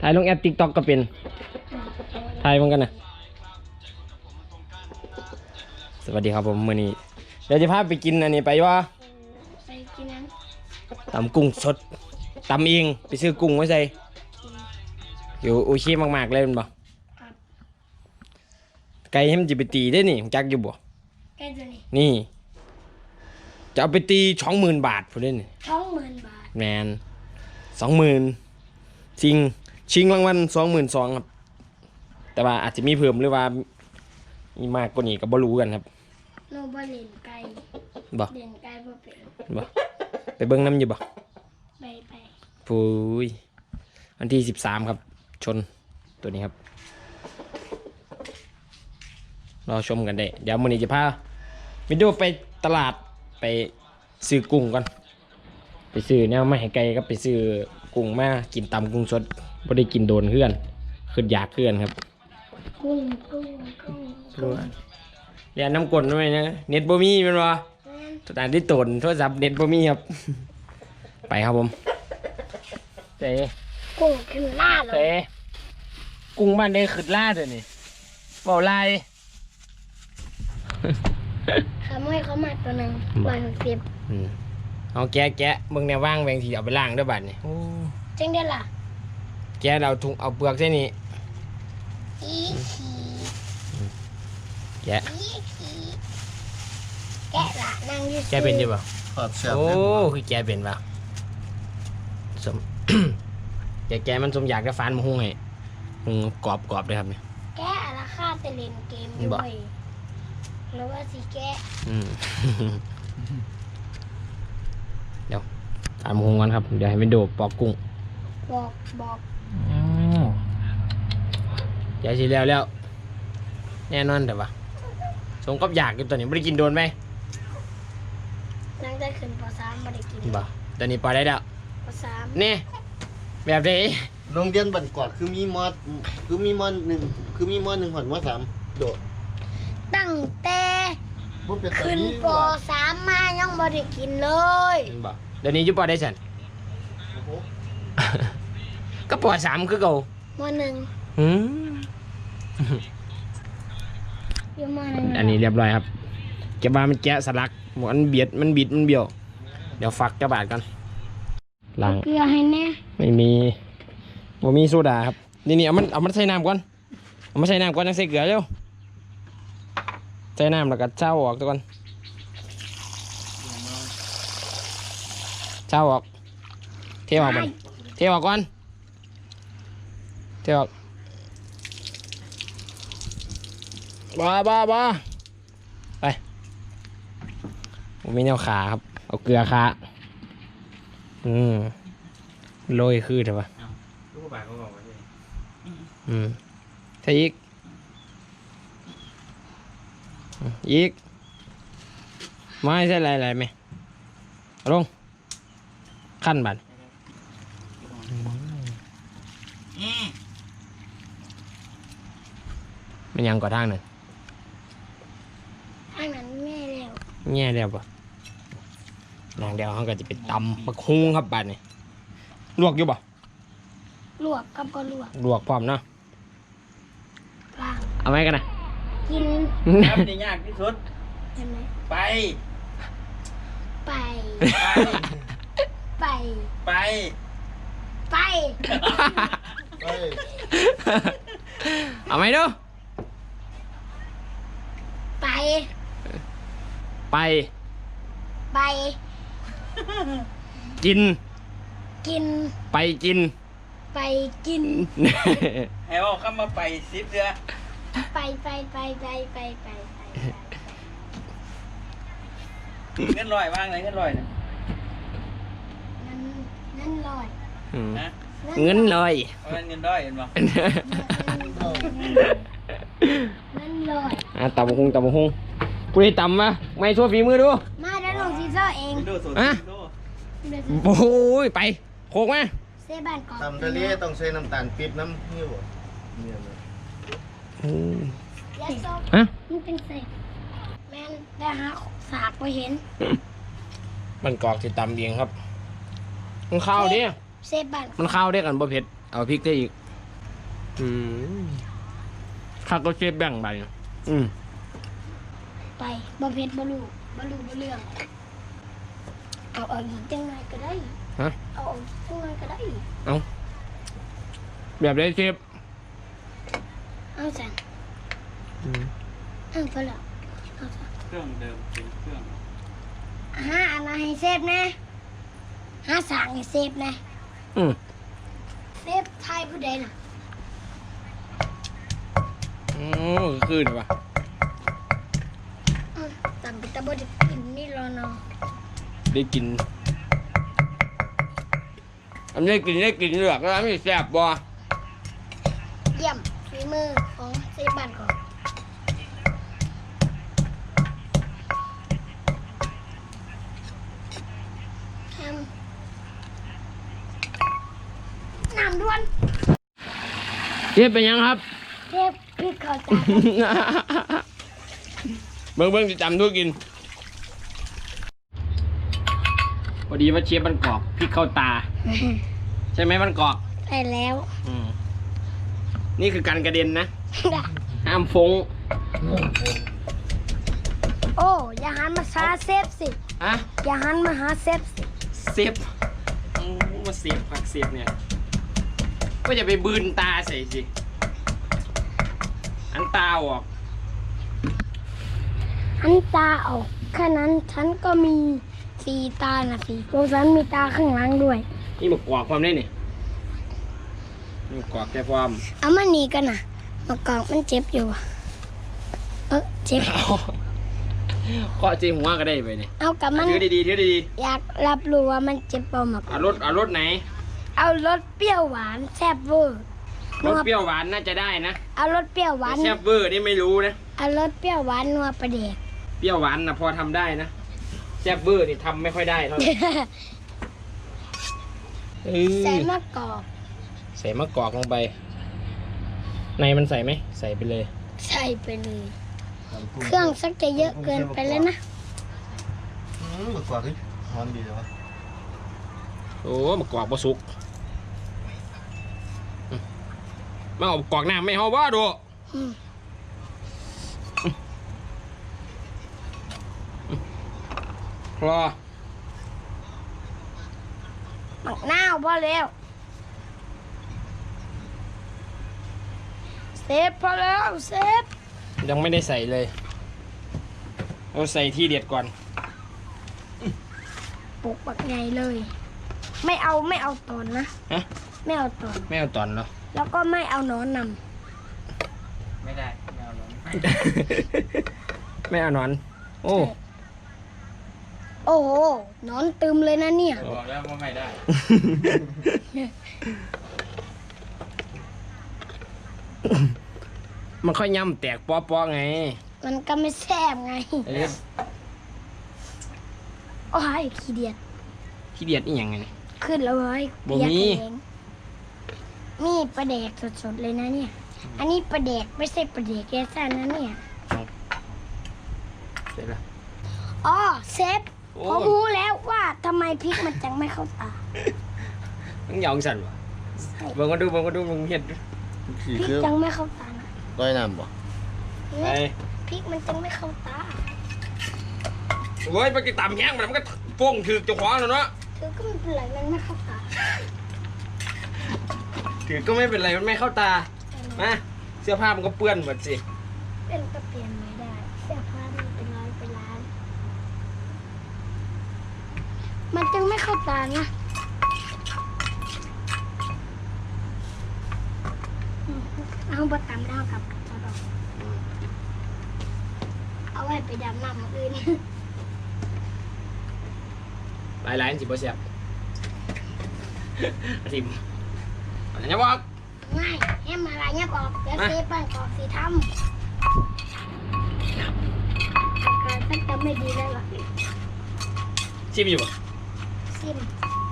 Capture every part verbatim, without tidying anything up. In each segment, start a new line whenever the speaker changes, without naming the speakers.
ถ่ายลงแอป TikTok ก็เป็นถ่ายเหมือนกันนะสวัสดีครับผมมื้อนี้เดี๋ยวจะพาไปกินอันนี้ไปว่า
ไปกินนั้น
ตำกุ้งสดตำเองไปซื้อกุ้งไว้ใส่อยู่โอชิมากๆเลยมันบ่ไก่ให้มันจะไปตีได้นี่จักอยู่บ่
ไก่ตัวนี้
นี่จะเอาไปตีสองหมื่นบาทพอได้นี่
สองหมื่นบาท
แมนสองหมื่นชิงชิงรางวัลสองหมื่นสองครับแต่ว่าอาจจะมีเพิ่มหรือว่ามีมากกว่านี้ก็บ่รู้กันครับ
โนบะเล่นไก่
บ่
เล่นไก่บ่เป็น
บ่ไปเบิ่งน้ำอยู่บ่
ไปไป
ปุ้ยวันที่สิบสามครับชนตัวนี้ครับรอชมกันได้เดี๋ยวมื้อนี้จะพาวิดีโอไปตลาดไปซื้อกุ้งก่อนไปซื้อแนวมาให้ไก่ก็ไปซื้อกุ้งมากินตำกุ้งสดบ่ได้กินโดนเพื่อนขึ้นอยากเพื่อนครับ
กุ้งกุ้งกุ้งกุ้ง
เรียนน้ำกลนด้วยนะเน็ตบ่มีเป็นวะสถานที่ตนโทรศัพท์เน็ตบ่มีครับไปครับผมเต้
กุ้งขึ้นล่าเลย
เต้กุ้งบ้านได้ขึ้นล่าเดี๋ยวนี้เบาลาย
ทำให้เขามาตัวหนึ่งร้อยหกสิบ
เอาแกะแกะเบิ่งแนวว่างแบงทีเอาไปล้างด้วยบัดนี่
เจ๊งได้ล่ะ
แกะเราถุงเอาเปลือกใช่นี่
อีขี
แกะ
แกะละนั่งยืด
แกะเป็นยังบ่โอ้คือแกะเป็นป่ะสม แกะแกะมันสมอยากจะฟันมาหุ้งไงหุ้งกรอบกรอบเลยครับเนี่ย
แกะราคาจะเล่นเกมด้วยแล้วว่าสิแกะ
เดี๋ยวตามหุ้งกันครับเดี๋ยวให้มันโดดปอกกุ้ง
บอกบอก
ยายสิแล้วแล้วแน่นอนแต่ว่าสมกับอยากอยู่ตัวนี้ไม่ได้กินโดนไหม
นั่งได้ขึ้นปสามไม่ได้กิน
บ่ตัวนี้ปอได้แล้ว
ปสาม
นี่แบบนี้
โรงเรียนบันกอดคือมีมอดคือมีมอดหนึ่งคือมีมอดหนึ่งหอนมอดสามโดด
ตั้งแต่ขึ้นปสามมายังไม่ได้กินเลย
บ่เดี๋ยวนี้ยุบปอได้ฉันก็ปอสามคือเก่าม
อหนึ่ง
อืมอันนี้เรียบร้อยครับแกบ้ามันแกะสลักมันเบียดมันบิดมันเบี้ยวเดี๋ยวฟักกระบาดกันล้าง
เกลือให้แน่
ไม่มีบ่มีโซดาครับนี่นี่เอามันเอามันใส่น้ำก่อนเอามาใส่น้ำก่อนแล้วใส่เกลือเร็วใส่น้ำแล้วก็เช่าออกตัวก่อนเช่าออกเทออกมันเทออกก่อนเทออกบ้าบ้าบ้าไปผมมีแนวขาครับเอาเกลือขาอืมโรยคือใช่ปะอืมใช่อีกอีกไม่ใช่อะไรอะไรไหมลงขั้นบันมันยังก่อทางหนึ่ง
ทางนั้นแม่แล้ว
แง่แล้วปะนางเดียวเขาก็จะไปตำบักฮุ้งครับบัดนี่ลวกอยู่ปะ
ลวกกับก็ลวก
ลวกพร้อมเนาะเอาไหมกันนะ
กิน
ทำได้ยากที่สุด
เห็นไหม
ไป
ไปไป
ไป
ไป
ไป
เอาไหมดู
ไป
ไป
ไป
กิน
กิน
ไปกิน
ไปกิน
ให้ว่าเข้ามาไปซิปเรือ
ไปไปไปไปไปไปไป
เงินลอยว่างไหนเงินลอยนะ
เงินเงินลอย
นะเงินลอย
เงินลอยเห็นป่ะ
เงินลอย
อ่ะตำบักหุ่งตำบักหุ่งกูได้ตำมาไม่ช่วยฝีมือดู
มาเดี๋ยวลงซีซ่าเอง
อ่ะโอ้ยไปโคกมา
เซบันก่อน
ทำทะเลต้องใช้น้ำตาลปี๊บน้ำหิ้วเนี่ยนะ
ฮะ
มันเป็นเศษแม่ได้หาสากไปเห็น
มันกรอกที่ตำเองครับมันข้าวดิ
เซบัน
มันข้าวได้กันบ่เผ็ดเอาพริกได้อีกอืมข้าก็เชฟแบ่งไปอืม
ไปบ่เผ็ดบ่รู้บ่รู้บ่เรื่องเอาเอาอีกจังไงก็ได้
ฮะ
เอาเอาอีกจังไงก็ได้
เอาแบบได้เชฟ
เอาสั่น
อืม
เอาไปแล้วเอาสั่น
เครื่องเดิมเป็นเครื่อง
หาอันนั้นให้เซฟนะหาสั่งให้เซฟนะ
อืม
เซฟไทยผู้ใดน่ะ
โอ้คืนวะ
อืมตำไปตะบ่ได้กินนี่รอเนาะ
ได้กินอันนี้กินได้กินเหลือกแล้วไม่แซ่บบ่
เยี่ยมฝีมือของเซฟบ้านก่อนทำน้ำด้วน
เชฟเป็นยังครับ
เทพพริกเข้าตา
เบิ่งเบิ่งจะจำทุกกินพอดีว่าเชฟมันกรอกพริกเข้าตา ใช่ไหมมันกรอก
ได้แล้ว
อืมนี่คือการกระเด็นนะ ห้ามฟง
โอ้อย่าหันมาหาเซฟสิ
อะ
อย่าหันมาหาเซฟสิ
เซฟอืมมาเซฟผักเซฟเนี่ย ก็จะไปบืนตาใส่สิ อันตาออก
หันตาออกแค่นั้นฉันก็มีสีตานะสิโรฉันมีตาข้างหลังด้วย
นี่มากรอกความได้นี่นี่มากรอกแค่ความ
เอามานี่กันนะมากอกมันเจ็บอยู่อะเออเจ็บ
ก็จีหัวก็ได้ไปนี่
เอากับมัน
ถือดีๆถือดี
อยากรับรู้ว่ามันเจ็บเปล่ามาก
ๆเอารสเอารสไหน
เอารสเปรี้ยวหวานแซ่บเวอร์
รสเปรี้ยวหวานน่าจะได้นะ
เอารสเปรี้ยวหวาน
แต่แซ่บเวอร์นี่ไม่รู้นะ
เอารสเปรี้ยวหวานนัวประเดก
เปรี้ยวหวานนะพอทำได้นะแซ่บเวอร์นี่ทำไม่ค่อยได้เท่าไหร่เออ
ใส่มะกอก
ใส่มะกอกลงไป ในมันใส่ไหมใส่ไปเลย
ใส่ไปเลย เครื่องสักจะเยอะเกินไปแล้วนะ
อืมมากว่าคือหอมดีเลยวะ
โอ้มะกอกบะสุกอืมมาเอามะกอกน้ำไม่เอาว่าดู
อืม
รอ
หมักหน้าวพอแล้วเซฟพอแล้วเซฟ
ยังไม่ได้ใส่เลยเราใส่ที่เด็ดก่อน
ปลุกปักใหญ่เลย ไม่เอาไม่เอาตอนนะ
ฮะ
ไม่เอาตอน
ไม่เอาตอนเหรอ
แล้วก็ไม่เอาหนอนน
ไม่ได้ไม่เอาหรอก
ไม่เอาหนอน โอ้
ำโอ้โหหนอนตึมเลยนะเนี่ย
บอกแล้วว่าไม่ได้
มันค่อยย่ำแตกป๊อๆไง
มันก็ไม่แซ่บไง
เออ
โอ้ยขี้เดียด
ขี้เดียดอีหยังไง
ขึ้นแล้วเว้ย
บ่
เปียก
มี
เองนี่ปลาแดกสดๆเลยนะเนี่ย อันนี้ปลาแดกไม่ใช่ปลาแดกแกซ่นนะเนี่ย
เสร็จแล้ว
อ๋อเซฟ
โอ้
ผมรู้แล้วว่าทำไมพริกมันจังไม่เข้าตา
มึงหยองสั่นวะเบิ่งก็ดูเบิ่งก็ดูมึงเห็ดดู
สี
พริก
คือ
จังไม่เข้าตานะ
ร้อยน้ำบ่
ไอ้
พริกมันจังไม่เข้าตา
โว้ยไปกินตำแห้งมันมันก็โป่งถือเจ้าของแล้วเนาะ
เธอก็ไม่เป็นไรมันไม่เข้าตา
ถือก็ไม่เป็นไรมันไม่เข้าตา มาเสื้อผ้ามันก็เปื้อนหมดสิ
เป็นก็เปลี่ยนไม่ได้เสื้อผ้ามันเป็นร้อยเป็นล้าน มันจังไม่เข้าตานะอืมเอาบะตำดาวกับเอาดอกเอาไว้ไปดำน้ำอื่น
หลายหลายสิบ่เสียบทิมอันนี้บอก
ง่ายแฮมอะไรเนี่ยกรอบเดี๋ยว
มา
เซฟบ้านกรอบสีทำอาการท่านจะไม่ดีแล้วล่ะ
ชิมอยู่บ่
ซิม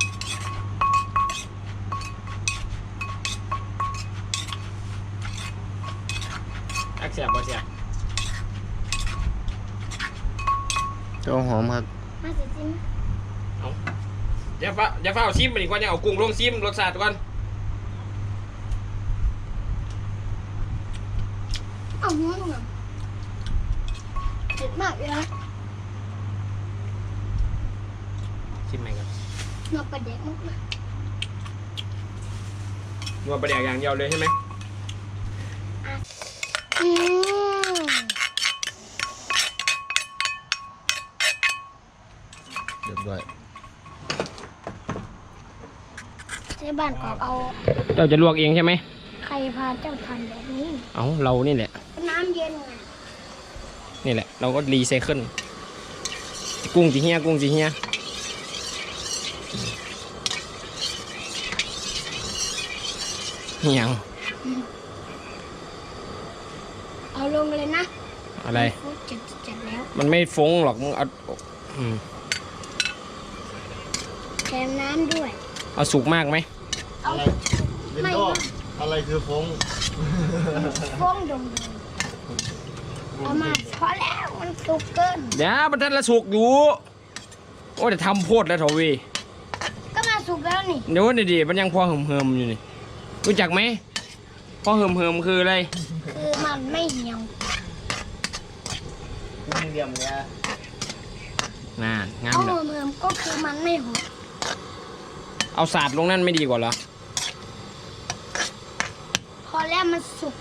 อักเสียบบ่เสียบ
เจ้าหอมครับ
มาสิซิม
เอาอย่าฟ้าอย่าฟ้าเอาซิมมันอีกว่าอย่าเอากุ้งลงซิมรสชาติก่อน
เอ้ามึงอะเผ็ดมากเลยนะ
ชิมไหมครับ
นอกประเด็กมากเลย
นัวประเดี๋ยวอย่างเดียวเลยใช่ไหม
อืม
เรียบร้อย
ใช้บ้านกอกเอา
เจ้าจะลวกเองใช่ไหม
ใครพาเจ้าทันแบบนี้
เอาเรานี่แหละ
น้ำเย็นไง
นี่แหละ เราก็รีไซเคิลกุ้งจีเฮียกุ้งจีเฮียเหี่ยง
เอาลงเลยนะ
อะไร
ฟุตเจ็ดเจ็ดแล้ว
มันไม่ฟงหรอกมึงเอาอืม
แถมน้ำด้วย
เอาสุกมากไหม
เอา
อะไรเวนโดอะไรคือฟง
ฟองดงเอามาพอแล้วมันสุกเกิน
เดี๋ยวมันทันละสุกอยู่ โอ้แต่ทำโพดแล้วเถอะเวี
ก็มาสุกแล้วนี่
เดี๋ยวนี่ดิมันยังพอเหิมเหิมๆอยู่นี่รู้จักไหมพอเหิมเหิมๆคืออะไร
คือมันไม่เหี่ยว
กุ้งเดียมเนี่ย
น่านงาม
เอา
เลย
เมือมก็คือมันไม่หด
เอาสาดลงนั่นไม่ดีกว่าเหรอ
พอแล้วมันสุก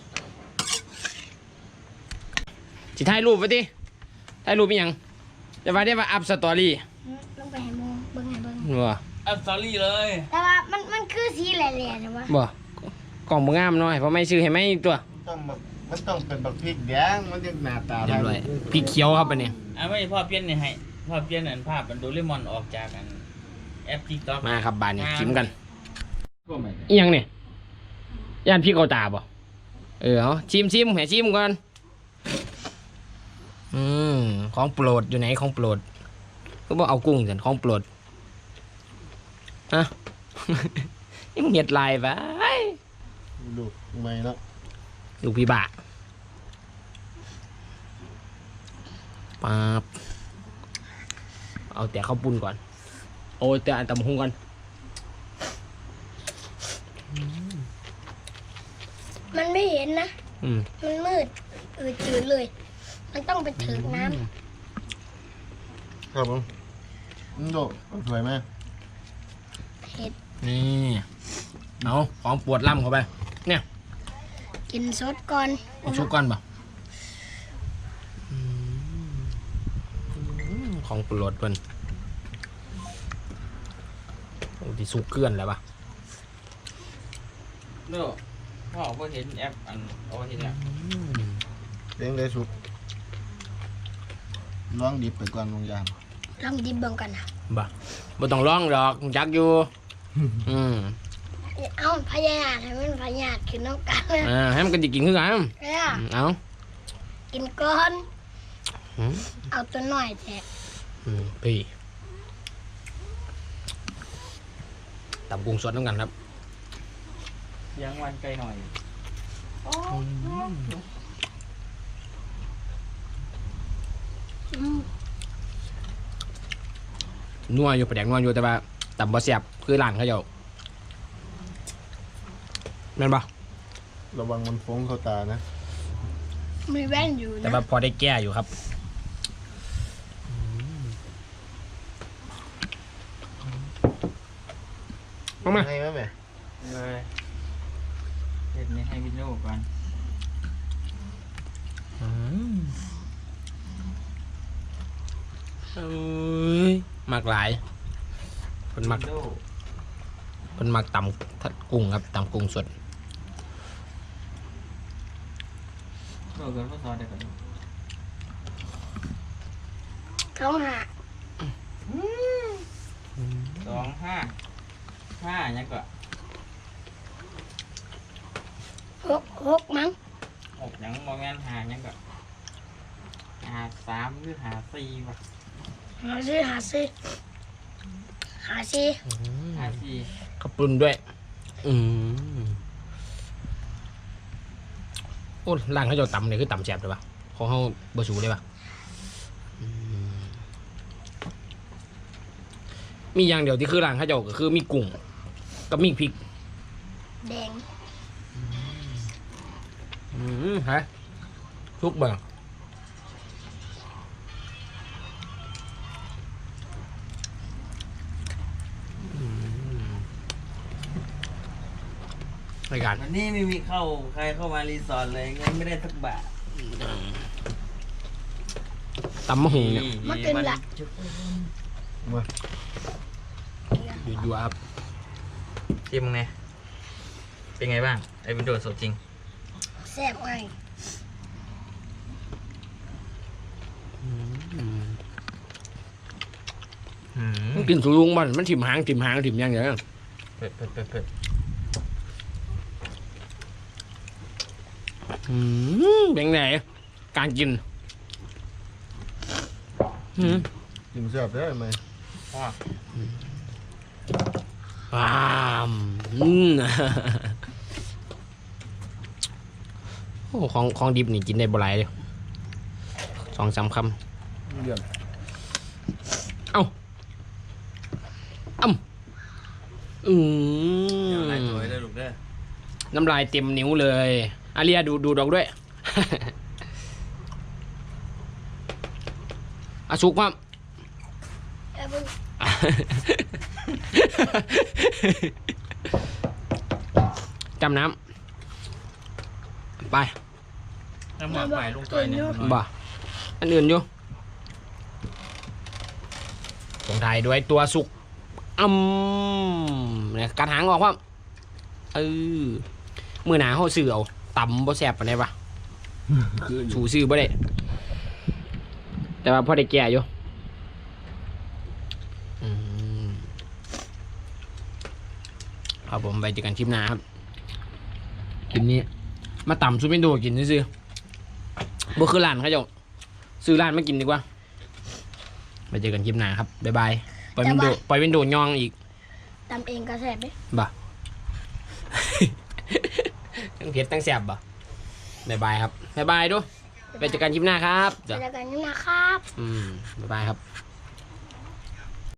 สิถ่ายรูปไว้ดิถ่ายรูปเป็นหยังจะว่าได้ว่าอัพสตอรี่
ลงไปให้โมเบิ้งให้เบิ้ง
บ่
อัพสตอรี่เลย
แต่ว่ามันมันคือสีแหล่ๆนะวะ
บ่กล่องบ่งามหน่อยเพราะไม่ซื้อให้ไม่ตัว
ต้องแบบมันต้องเป็นแบบพริกแดงมันจะหน้าตา
เรียบร้อยพริกเขียวครับอันนี้
อ่ะไม่พ่อเปลี่ยนนี่ให้พ่อเปลี่ยนอันภาพมันโดเรมอนออกจากอันแอปติ๊กต็อก
มาครับบานนี้ชิมกันอีหยังเนี่ยย่านพี่เขาตาบ่เออเอาชิมชิมให้ชิมก่อนอืมของโปรดอยู่ไหนของโปรดก็บอกเอากุ้งสันของโปรดฮะ นี่มึงเห็ดลายไป
ลูกไม่แล้ว
ลูกพี่บาป๊าบเอาแต่ข้าวปุ้นก่อนโอ้ยแต่อันตำหุงก่อน
มันไม่เห็นนะ
อืม
มันมืดเออจืดเลย มันต้องไปถึงน้
ครับผมอืมโดสวยไหม
ำเผ็ด
นี่เอาของปวดล่ำเข้าไปเนี่ย
กินซดก่อน
เอาชุกก่อนป่ะอืมของโปรดเพิ่นโอ้ที่สุกเกลื่อนแล้วป่ะ
เด้อพ่อก็เห็นแอปอันเอาเห็นแล้ว
เลี้ยงได้สุกลองดิบไปก่อนลงยาม
ลองดิบเบิ่งกันนะ
บ่บ่ต้องร้องดอกจักอยู่ อืม
เอาพยายามให้มันพยายามขึ้นน้ำกันนะ
อ่าให้มันกันจิกินคือกัน
เออ
เอา
กินก่อน
อืม
เอาตัวหน่อยแทะ
อืมพี่ตำกุ้งสดน้ำกันครับ
เลี้ยงวันไกลหน่อย
อืม
นัวอยู่ประแดกนัวอยู่แต่ว่าตำบ่แซ่บคือร้านเขาเจ้าแม่นบ่
ระวังมันฟงเข้าตานะ
มีแว่นอยู่
แต่
นะ
ว่าพอได้แก้อยู่ครับมามา
ให้ไหมแม่
เลยเห็นนี่ให้วินโดก่อน
อืมเอ้ยมักหลายเพิ่นมัก
วินโด
เพิ่นมักตำทัดกุ้งครับตำกุ้งสด
โดเกินก็ซอสได้ก่อน
เขาหา
สองห้าห้ายังก็
หกหกมั้ง
หกยังโมเมนหายังก็หาสามหรือหาสี่วะ
หาซื้อหาซื้อหาซื้อ
หาสี่
ข้าวปุ้นด้วย อืมโอ้ร้านเขาเจะตำเนี่ยคือตำแซ่บเลยปะของเขาบะสูเลยปะอืมมีอย่างเดียวที่คือร้านเขาเจ้าก็คือมีกุ้งกับมีพริก
แดง
อืมฮะทุกเบิ่งรายการ
วันนี้ไม่มีเข้าใครเข้ามารีสอร์ทเลยเงินไม่ได้สักบาท
ตำมะหุงเนี่ย
มากินละ
อยู่อยู่ครับ
ชิมไงเป็นไงบ้างไอ้วินโดว์สดจริง
แซ่บไง
อืม
มันกินสูงมันมันถิ่มหางถิ่มหางถิ่มอยังไง
เผ็ดเผ็ดเผ็ดเผ็ด
อืมเป็นไงการกินอืม
กินแซ่บได้ไหม
พ่อ
ว้ามอืม โอ้ของของดิบนี่กินได้บ่หลายเลยสองสามค
เยี่ยม
ำเอ้าอ้ำอื
เดี๋ยว
ม
ไล่ตัวไว้เลยลูกเด้อ
น้ำลายเต็มนิ้วเลยอาเรียดูดูดอกด้วย อาสุกมั้ง
เอาเบิ่ง
จำน้ำไป
น้ำหมักใหม่ลงตัวเนี่ย
บ่าอันอื่นอยู่ส่งท้ายด้วยตัวสุกอืมเนี่ยกัดหางออกว่าเออมือหนาเขาซื้อเอาตำบ่แซ่บปานใดปะสูซื้อบ่ได้แต่ว่าพอได้แก่อยู่อืมครับผมไปเจอกันคลิปหน้าครับคลิปนี้มาต่ำซุปเปนโดกินซื้อๆบ่คือร้านเขาเจ้าซื้อร้านมากินดีกว่าไปเจอกันคลิปหน้าครับบ๊ายบายปล่อยวินโดปล่อยวินโดยองอีก
ตำเองก็แซ่บเด้
บ่ ทั้งเผ็ดทั้งแซ่บบ่บ๊ายบายครับบ๊ายบายดูไปเจอกันคลิปหน้าครับ
ไปแล้วกันนะครับ
อืมบ๊ายบายครับ